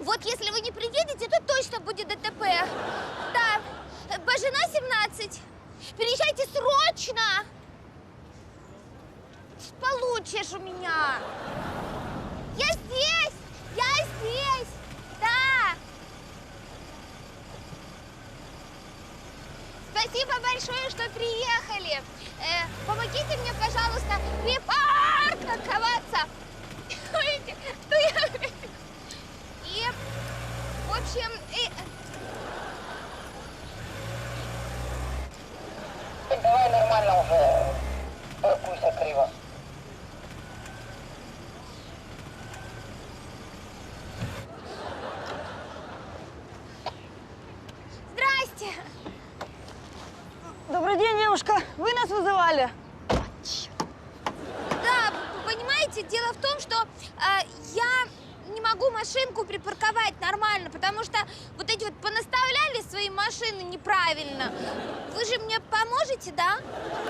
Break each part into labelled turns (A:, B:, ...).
A: Вот если вы не приедете, то точно будет ДТП. Да, Бажина 17. Приезжайте срочно. Получишь у меня. Я здесь, да. Спасибо большое, что приехали. Помогите мне, пожалуйста, припарковаться. Ой, что я... И, в общем...
B: Давай нормально уже. Паркуйся криво.
A: Здрасте.
C: Добрый день, девушка. Вы нас вызывали?
A: Да, понимаете, дело в том, что я не могу машинку припарковать нормально, потому что вот эти вот понаставляли свои машины неправильно. Вы же мне поможете, да?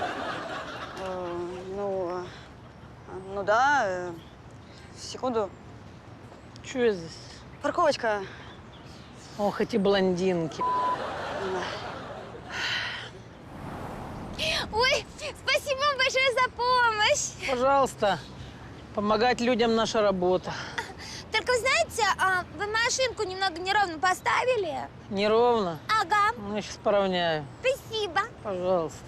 C: Ну да. Секунду.
D: Что здесь?
C: Парковочка.
D: Ох, эти блондинки.
A: Ой, спасибо вам большое за помощь.
D: Пожалуйста, помогать людям наша работа.
A: Только, знаете, вы машинку немного неровно поставили.
D: Неровно?
A: Ага,
D: Ну, я сейчас поравняю.
A: спасибо.
D: Пожалуйста.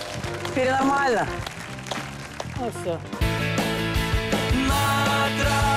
D: Теперь нормально? Ну все.
E: На